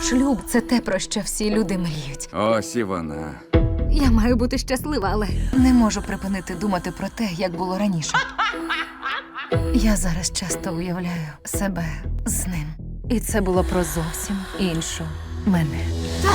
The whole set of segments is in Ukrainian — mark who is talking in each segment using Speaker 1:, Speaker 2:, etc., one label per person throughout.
Speaker 1: Шлюб – це те, про що всі люди мріють.
Speaker 2: Ось і вона.
Speaker 1: Я маю бути щаслива, але не можу припинити думати про те, як було раніше. Я зараз часто уявляю себе з ним. І це було про зовсім іншу мене.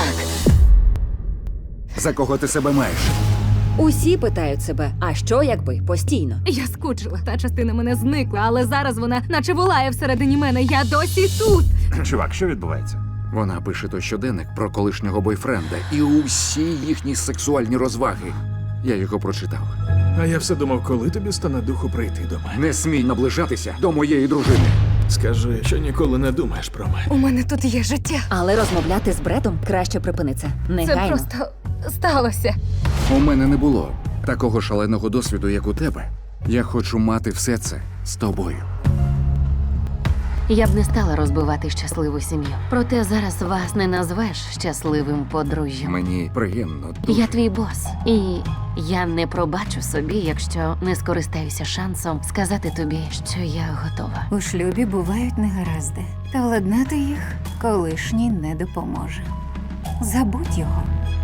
Speaker 2: За кого ти себе маєш?
Speaker 3: Усі питають себе, а що якби постійно?
Speaker 1: Я скучила. Та частина мене зникла, але зараз вона наче волає всередині мене. Я досі тут.
Speaker 4: Чувак, що відбувається?
Speaker 2: Вона пише той щоденник про колишнього бойфренда і усі їхні сексуальні розваги. Я його прочитав.
Speaker 4: А я все думав, коли тобі стане духу прийти до мене.
Speaker 2: Не смій наближатися до моєї дружини.
Speaker 4: Скажи, що ніколи не думаєш про мене.
Speaker 1: У мене тут є життя.
Speaker 3: Але розмовляти з Бредом краще припини це.
Speaker 1: Це
Speaker 3: Негайно.
Speaker 1: просто сталося.
Speaker 2: У мене не було такого шаленого досвіду, як у тебе. Я хочу мати все це з тобою.
Speaker 5: Я б не стала розбивати щасливу сім'ю. Проте зараз вас не назвеш щасливим подружжям.
Speaker 2: Мені приємно. Дуже.
Speaker 5: Я твій бос, і я не пробачу собі, якщо не скористаюся шансом сказати тобі, що я готова.
Speaker 6: У шлюбі бувають негаразди, та владнати їх колишній не допоможе. Забудь його.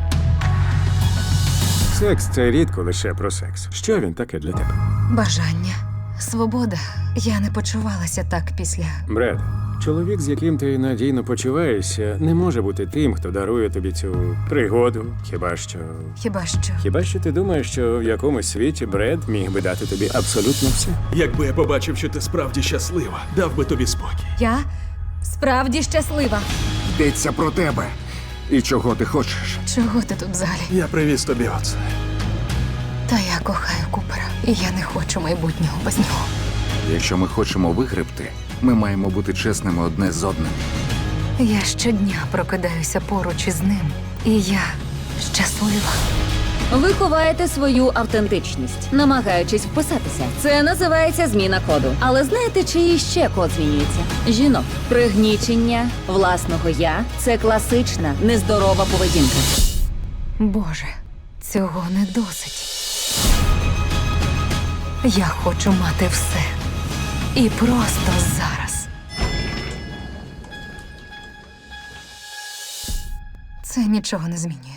Speaker 7: Секс це рідко лише про секс. Що він таке для тебе?
Speaker 1: Бажання. Свобода. Я не почувалася так після.
Speaker 7: Бред, чоловік, з яким ти надійно почуваєшся, не може бути тим, хто дарує тобі цю пригоду.
Speaker 1: Хіба що.
Speaker 7: Ти думаєш, що в якомусь світі Бред міг би дати тобі абсолютно все?
Speaker 4: Якби я побачив, що ти справді щаслива, дав би тобі спокій.
Speaker 1: Я справді щаслива.
Speaker 2: Йдеться про тебе. І чого ти хочеш?
Speaker 1: Чого ти тут взагалі?
Speaker 4: Я привіз тобі оце.
Speaker 1: Та я кохаю Купера. І я не хочу майбутнього без нього.
Speaker 2: Якщо ми хочемо вигребти, ми маємо бути чесними одне з одним.
Speaker 1: Я щодня прокидаюся поруч із ним. І я щаслива.
Speaker 3: Ви ховаєте свою автентичність, намагаючись вписатися. Це називається зміна коду. Але знаєте, чиї ще код змінюється? Жінок. Пригнічення власного я це класична нездорова поведінка.
Speaker 1: Боже, цього не досить. Я хочу мати все. І просто зараз. Це нічого не змінює.